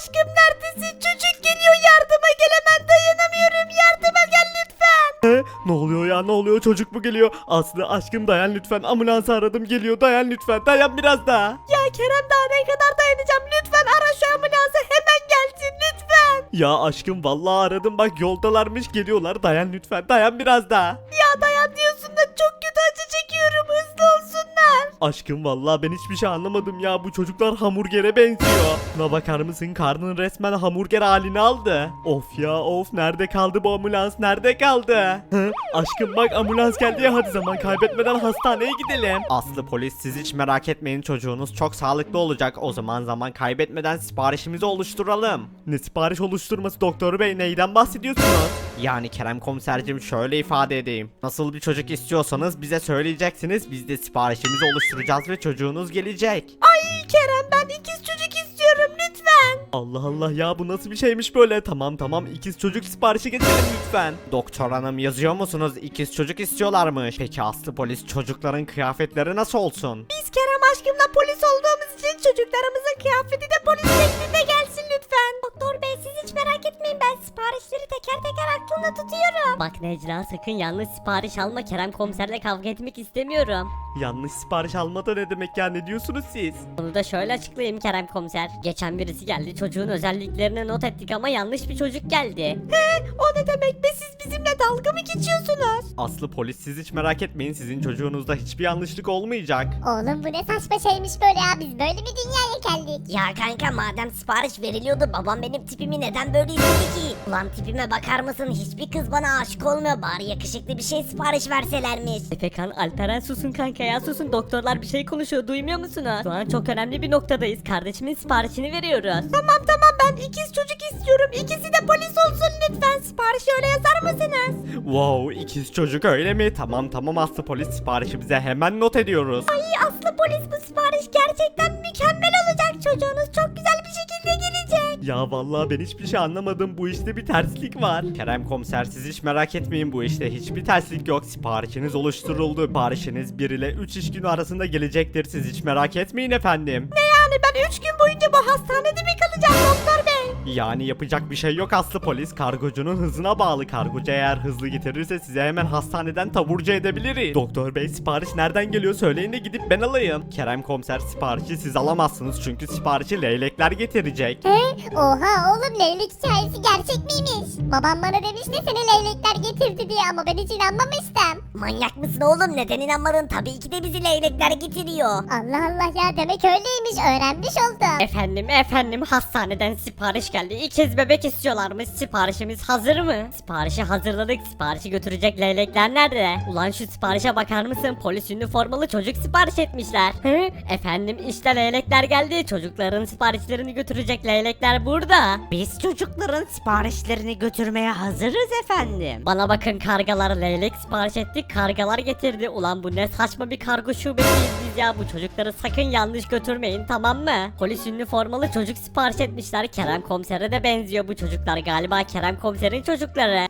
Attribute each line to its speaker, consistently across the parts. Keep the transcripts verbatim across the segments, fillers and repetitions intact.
Speaker 1: aşkım neredesin? Çocuk geliyor, yardıma gel, hemen dayanamıyorum, yardıma gel lütfen.
Speaker 2: He? Ne oluyor ya, ne oluyor, çocuk mu geliyor? Aslı aşkım dayan lütfen, ambulansı aradım, geliyor, dayan lütfen, dayan biraz daha.
Speaker 1: Ya Kerem, daha ne kadar dayanacağım, lütfen ara şu ambulansı, hemen gelsin lütfen.
Speaker 2: Ya aşkım vallahi aradım, bak yoldalarmış, geliyorlar, dayan lütfen, dayan biraz daha.
Speaker 1: Ya dayan diyorsun da çok kötü acı çekiyorum, hızlı olsunlar.
Speaker 2: Aşkım vallahi ben hiçbir şey anlamadım ya, bu çocuklar hamburgere benziyor. Buna bakar mısın, karnın resmen hamburger halini aldı. Of ya of, nerede kaldı bu ambulans, nerede kaldı? Hı? Aşkım bak ambulans geldi ya, hadi zaman kaybetmeden hastaneye gidelim. Aslı polis, siz hiç merak etmeyin, çocuğunuz çok sağlıklı olacak. O zaman zaman kaybetmeden siparişimizi oluşturalım. Ne sipariş oluşturması doktor bey, neyden bahsediyorsunuz? Yani Kerem komisercim şöyle ifade edeyim. Nasıl bir çocuk istiyorsanız bize söyleyeceksiniz, biz de siparişimizi oluşturacağız ve çocuğunuz gelecek.
Speaker 1: Ay Kerem, ben ikiz çocuk istiyorum lütfen.
Speaker 2: Allah Allah ya, bu nasıl bir şeymiş böyle? Tamam tamam, ikiz çocuk siparişi getirin lütfen. Doktor hanım, yazıyor musunuz? İkiz çocuk istiyorlarmış. Peki Aslı polis, çocukların kıyafetleri nasıl olsun?
Speaker 1: Biz Kerem aşkımla polis olduğumuz için çocuklarımızın kıyafeti de polis şeklinde gelsin lütfen. Doktor bey, siz hiç merak etmeyin, ben siparişleri teker teker aklımda tutuyorum.
Speaker 3: Bak Necla, sakın yanlış sipariş alma, Kerem komiserle kavga etmek istemiyorum.
Speaker 2: Yanlış sipariş alma da ne demek ya, ne diyorsunuz siz?
Speaker 3: Bunu da şöyle açıklayayım Kerem komiser. Geçen birisi geldi, çocuğun özelliklerini not ettik ama yanlış bir çocuk geldi.
Speaker 1: He, o ne demek be, siz bizimle dalga mı geçiyorsunuz?
Speaker 2: Aslı polis, siz hiç merak etmeyin, sizin çocuğunuzda hiçbir yanlışlık olmayacak.
Speaker 4: Oğlum bu ne saçma şeymiş böyle ya, biz böyle bir dünyaya geldik.
Speaker 3: Ya kanka, madem sipariş veriliyordu, babam benim tipimi neden böyle istedi ki? Ulan tipime bakar mısın, hiçbir kız bana aşık olmuyor, bari yakışıklı bir şey sipariş verselermiş. Efekan, Alperen susun kanka ya, susun, doktorlar bir şey konuşuyor, duymuyor musunuz? Şu an çok önemli bir noktadayız, kardeşimin siparişini veriyoruz.
Speaker 1: Tamam tamam, ben ikiz çocuk istiyorum, ikisi de polis olsun lütfen, siparişi öyle yazar mısınız?
Speaker 2: Wow, ikiz çocuk öyle mi? Tamam tamam Aslı polis, siparişi bize hemen not ediyoruz.
Speaker 1: Ay Aslı polis, bu sipariş gerçekten mükemmel olacak, çocuğunuz çok güzel bir şekilde gelecek.
Speaker 2: Ya vallahi ben hiçbir şey anlamadım, bu işte bir terslik var. Kerem komiser, siz hiç merak etmeyin, bu işte hiçbir terslik yok. Siparişiniz oluşturuldu. Siparişiniz bir ile üç iş günü arasında gelecektir, siz hiç merak etmeyin efendim.
Speaker 1: Ne yani, ben üç gün boyunca bu hastanede mi kalacağım doktor bey?
Speaker 2: Yani yapacak bir şey yok Aslı polis, kargocunun hızına bağlı. Kargocu eğer hızlı getirirse size hemen hastaneden taburcu edebiliriz. Doktor bey, sipariş nereden geliyor söyleyin de gidip ben alayım. Kerem komiser, siparişi siz alamazsınız çünkü siparişi leylekler getirecek.
Speaker 4: He? Oha oğlum, leylek hikayesi gerçek miymiş? Babam bana demişti seni leylekler getirdi diye ama ben hiç inanmamıştım.
Speaker 3: Manyak mısın oğlum, neden inanmadın? Tabii ki de bizi leylekler getiriyor.
Speaker 4: Allah Allah ya, demek öyleymiş, öğrenmiş oldum.
Speaker 3: Efendim efendim, hastaneden sipariş geldi. İkiz bebek istiyorlarmış. Siparişimiz hazır mı? Siparişi hazırladık. Siparişi götürecek leylekler nerede? Ulan şu siparişe bakar mısın? Polis üniformalı çocuk sipariş etmişler. Hı? Efendim işte leylekler geldi. Çocukların siparişlerini götürecek leylekler burada. Biz çocukların siparişlerini götürmeye hazırız efendim. Bana bakın kargalar, leylek sipariş ettik, kargalar getirdi. Ulan bu ne saçma bir kargo şubesiyiz biz ya. Bu çocukları sakın yanlış götürmeyin, tamam mı? Polis üniformalı çocuk sipariş etmişler. Kerem komisere de benziyor bu çocuklar, galiba Kerem komiserin çocukları.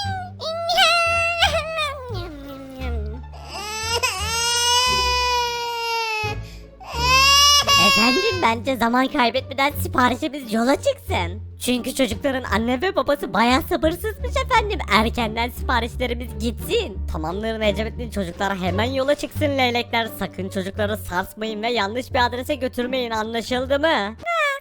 Speaker 3: Efendim, bence zaman kaybetmeden siparişimiz yola çıksın. Çünkü çocukların anne ve babası bayağı sabırsızmış efendim. Erkenden siparişlerimiz gitsin. Tamamdır Necmettin, çocuklar hemen yola çıksın leylekler. Sakın çocukları sarsmayın ve yanlış bir adrese götürmeyin, anlaşıldı mı?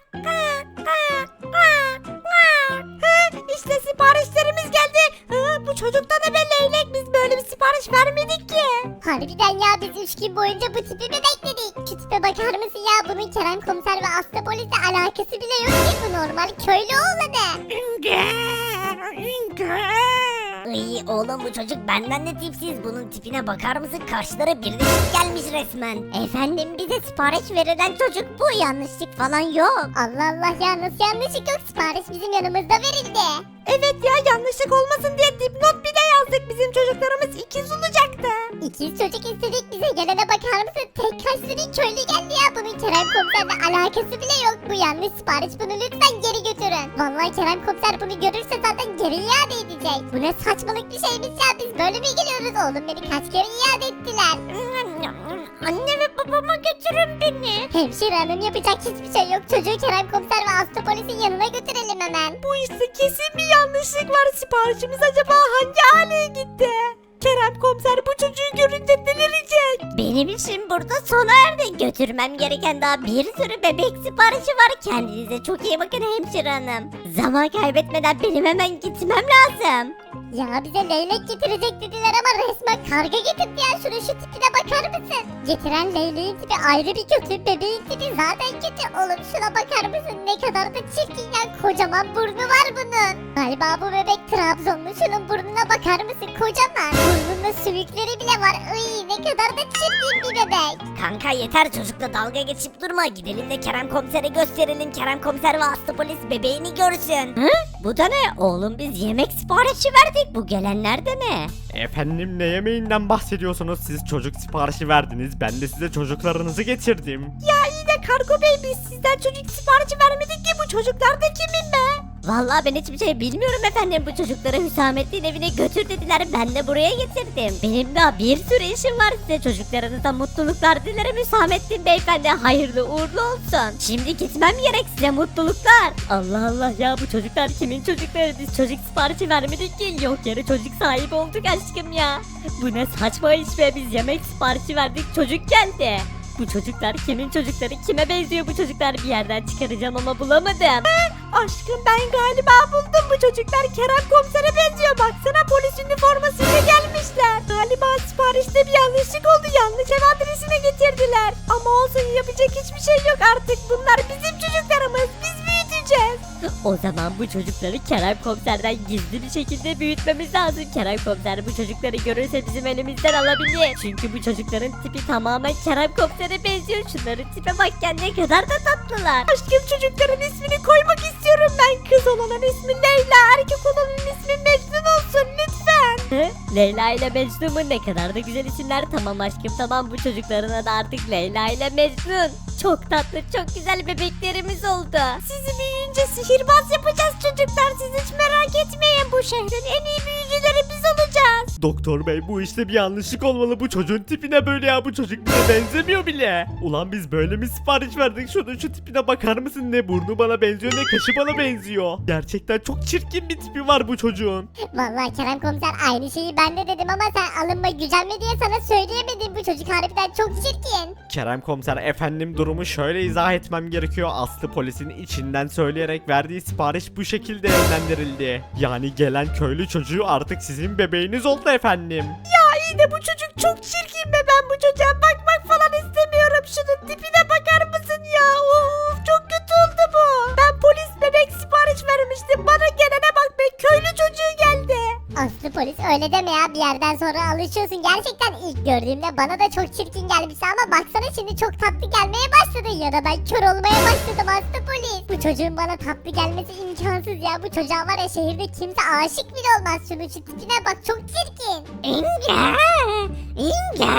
Speaker 1: İşte siparişlerimiz geldi. Hı, bu çocukta ne be leylek, biz böyle bir sipariş vermedik ki.
Speaker 4: Harbiden ya, biz üç gün boyunca bu tipi mi bekledik? Şu tipe bakar mısın ya, bunun Kerem komiser ve Aslı polisle alakası bile yok ki, bu normal köylü oğlanı.
Speaker 3: Iy, oğlum bu çocuk benden de tipsiz. Bunun tipine bakar mısın? Kaşları birleşik gelmiş resmen.
Speaker 4: Efendim, bize sipariş verilen çocuk bu, yanlışlık falan yok. Allah Allah ya, nasıl yanlışlık yok, sipariş bizim yanımızda verildi.
Speaker 1: Evet ya, yanlışlık olmasın diye dipnot bir de yazdık, bizim çocuklarımız ikiz olacaktı.
Speaker 4: İkiz çocuk istedik, bize gelene bakar mısın? Tek kaşlı bir köylü geldi ya, bunun Kerem komiserle alakası bile yok. Bu yanlış sipariş, bunu lütfen geri götürün. Vallahi Kerem komiser bunu görürse zaten geri iade edecek. Bu ne saçmalık bir şeymiş ya, biz böyle mi geliyoruz oğlum, beni kaç kere iade ettiler.
Speaker 1: Anne ve babama götürün beni.
Speaker 4: Hemşire hanım yapacak hiçbir şey yok. Çocuğu Kerem komiser ve Aslı polisin yanına götürelim hemen.
Speaker 1: Bu işte kesin bir yanlışlık var. Siparişimiz acaba hangi aileye gitti? Kerem komiser bu çocuğu görünce delirecek.
Speaker 3: Benim işim burada sona erdi. Götürmem gereken daha bir sürü bebek siparişi var. Kendinize çok iyi bakın hemşire hanım. Zaman kaybetmeden benim hemen gitmem lazım.
Speaker 4: Ya bize leylek getirecek dediler ama resmen karga getirdi ya. Şunun şu tipine bakar mısın? Getiren leyleğin tipi ayrı bir kötü. Bebeğin tipi zaten kötü. Oğlum şuna bakar mısın? Ne kadar da çirkin ya. Kocaman burnu var bunun. Galiba bu bebek Trabzonlu. Şunun burnuna bakar mısın? Kocaman. Burnunda sümükleri bile var. Iy, ne kadar da çirkin bir bebek.
Speaker 3: Kanka yeter çocukla dalga geçip durma. Gidelim de Kerem komisere gösterelim. Kerem komiser ve Aslı polis bebeğini görsün. Hı? Bu da ne? Oğlum biz yemek siparişi verdik. Bu gelenler de ne?
Speaker 2: Efendim ne yemeğinden bahsediyorsunuz? Siz çocuk siparişi verdiniz. Ben de size çocuklarınızı getirdim.
Speaker 1: Ya iyi de kargo bey biz sizden çocuk siparişi vermedik ki bu çocuklar da kimin be?
Speaker 3: Vallahi ben hiçbir şey bilmiyorum efendim. Bu çocukları Hüsamettin evine götür dediler. Ben de buraya getirdim. Benim daha bir sürü işim var size. Çocuklarınıza mutluluklar dilerim Hüsamettin beyefendi. Hayırlı uğurlu olsun. Şimdi gitmem gerek, size mutluluklar. Allah Allah ya, bu çocuklar kimin çocukları? Biz çocuk siparişi vermedik ki. Yok yere çocuk sahibi olduk aşkım ya. Bu ne saçma iş be. Biz yemek siparişi verdik, çocuk geldi. Bu çocuklar kimin çocukları? Kime benziyor bu çocuklar? Bir yerden çıkaracağım ama bulamadım.
Speaker 1: Aşkım ben galiba buldum, bu çocuklar Kerem komisere benziyor. Baksana polis üniformasıyla gelmişler. Galiba siparişte bir yanlışlık oldu. Yanlış ev adresine getirdiler. Ama olsun, yapacak hiçbir şey yok artık. Bunlar bizim çocuklarımız. Biz büyüteceğiz.
Speaker 3: O zaman bu çocukları Kerem komiserden gizli bir şekilde büyütmemiz lazım. Kerem komiser bu çocukları görürse bizim elimizden alabilir. Çünkü bu çocukların tipi tamamen Kerem komisere benziyor. Şunların tipe bak ya, ne kadar da tatlılar.
Speaker 1: Aşkım çocukların ismini koymak istiyorum ben. Kız olanın ismi Leyla, erkek olanın ismi Mecnun olsun lütfen.
Speaker 3: Hı? Leyla ile Mecnun mu? Ne kadar da güzel isimler. Tamam aşkım tamam, bu çocukların adı artık Leyla ile Mecnun. Çok tatlı, çok güzel bebeklerimiz oldu.
Speaker 1: Sizi büyüyünce sihirbaz yapacağız çocuklar. Siz hiç merak etmeyin. Bu şehrin en iyi büyücüleri biz olacağız.
Speaker 2: Doktor bey bu işte bir yanlışlık olmalı. Bu çocuğun tipine böyle ya. Bu çocuk bize benzemiyor bile. Ulan biz böyle mi sipariş verdik? Şunun şu tipine bakar mısın? Ne burnu bana benziyor ne kaşı bana benziyor. Gerçekten çok çirkin bir tipi var bu çocuğun.
Speaker 4: Vallahi Kerem komiser aynı şeyi ben de dedim ama sen alınma gücenme diye sana söyleyemedim. Bu çocuk harbiden çok çirkin.
Speaker 2: Kerem komiser efendim durumu şöyle izah etmem gerekiyor. Aslı polisin içinden söyleyerek verdiği sipariş bu şekilde yönlendirildi. Yani gelen köylü çocuğu artık sizin bebeğiniz oldu efendim.
Speaker 1: Ya iyi de bu çocuk çok çirkin be. Ben bu çocuğa bakmak falan istemiyorum. Şunun tipine bakar mısın ya? Of çok kötü oldu bu. Ben polis bebek sipariş vermiştim. Bana gelene bak be, köylü çocuğu geldi.
Speaker 4: Aslı polis öyle deme ya, bir yerden sonra alışıyorsun. Gerçekten ilk gördüğümde bana da çok çirkin gelmişti ama baksana şimdi çok tatlı gelmeye başladı. Ya da ben kör olmaya başladım Aslı polis. Bu çocuğun bana tatlı gelmesi imkansız ya. Bu çocuğa var ya şehirde kimse aşık bile olmaz. Şunun şu tipine bak, çok çirkin.
Speaker 3: İnge! İnge!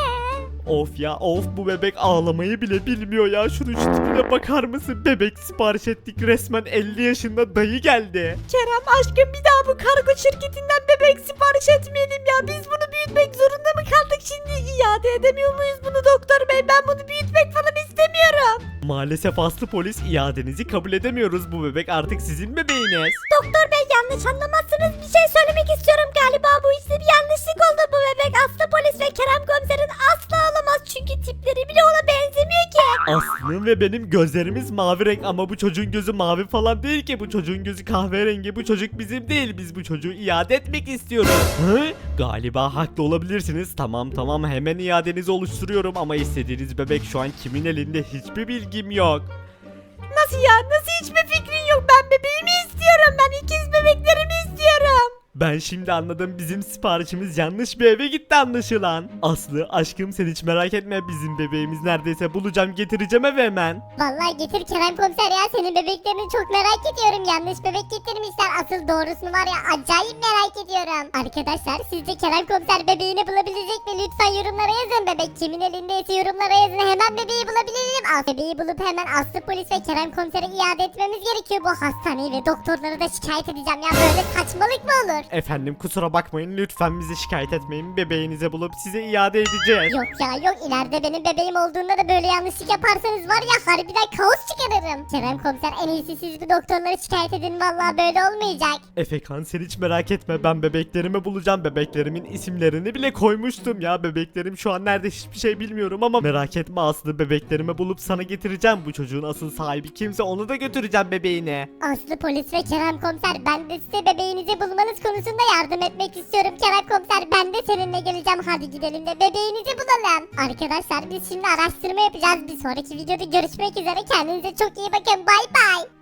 Speaker 2: Of ya of, bu bebek ağlamayı bile bilmiyor ya. Şunun şu tipine bakar mısın? Bebek sipariş ettik, resmen elli yaşında dayı geldi.
Speaker 1: Kerem aşkım bir daha bu kargo şirketinden bebek sipariş etmeyelim ya. Biz bunu büyütmek zorunda mı kaldık şimdi? İade edemiyor muyuz bunu doktor bey? Ben bunu büyütmek falan istemiyorum.
Speaker 2: Maalesef Aslı polis, iadenizi kabul edemiyoruz. Bu bebek artık sizin bebeğiniz.
Speaker 1: Doktor bey yanlış anlamazsınız, bir şey söylemek istiyorum. Galiba bu işte bir yanlışlık oldu. Bu bebek Aslı polis ve Kerem komiserin asla olamaz. Çünkü tipleri bile ona benzemiyor ki.
Speaker 2: Aslı'nın ve benim gözlerimiz mavi renk ama bu çocuğun gözü mavi falan değil ki. Bu çocuğun gözü kahverengi. Bu çocuk bizim değil. Biz bu çocuğu iade etmek istiyoruz. Hı? Galiba haklı olabilirsiniz. Tamam tamam, hemen iadenizi oluşturuyorum ama istediğiniz bebek şu an kimin elinde hiçbir bilgim yok.
Speaker 1: Nasıl ya? Nasıl hiçbir fikrin yok? Ben bebeğimi istiyorum. Ben ikiz bebeklerimi istiyorum.
Speaker 2: Ben şimdi anladım, bizim siparişimiz yanlış bir eve gitti anlaşılan. Aslı aşkım sen hiç merak etme, bizim bebeğimiz neredeyse bulacağım, getireceğim eve hemen.
Speaker 4: Vallahi getir Kerem komiser ya, senin bebeklerini çok merak ediyorum. Yanlış bebek getirmişler. Asıl doğrusunu var ya, acayip merak ediyorum. Arkadaşlar sizce Kerem komiser bebeğini bulabilecek mi? Lütfen yorumlara yazın. Bebek kimin elindeyse yorumlara yazın. Hemen bebeği bulabilelim. As bebeği bulup hemen Aslı polis ve Kerem komisere iade etmemiz gerekiyor. Bu hastaneyi ve doktorları da şikayet edeceğim ya. Böyle saçmalık mı olur?
Speaker 2: Efendim kusura bakmayın lütfen bizi şikayet etmeyin. Bebeğinizi bulup size iade edeceğiz.
Speaker 4: Yok ya yok ileride benim bebeğim olduğunda da böyle yanlışlık yaparsanız var ya harbiden kaos çıkarırım. Kerem komiser en iyisi siz bu doktorları şikayet edin vallahi böyle olmayacak.
Speaker 2: Efekan sen hiç merak etme ben bebeklerimi bulacağım. Bebeklerimin isimlerini bile koymuştum ya. Bebeklerim şu an nerede hiçbir şey bilmiyorum ama merak etme Aslı, bebeklerimi bulup sana getireceğim. Bu çocuğun asıl sahibi kimse onu da götüreceğim bebeğine.
Speaker 4: Aslı polis ve Kerem komiser ben de size bebeğinizi bulmanız konusunda yardım etmek istiyorum. Kerem komiser ben de seninle geleceğim, hadi gidelim de bebeğinizi bulalım. Arkadaşlar biz şimdi araştırma yapacağız. Bir sonraki videoda görüşmek üzere, kendinize çok iyi bakın, bay bay.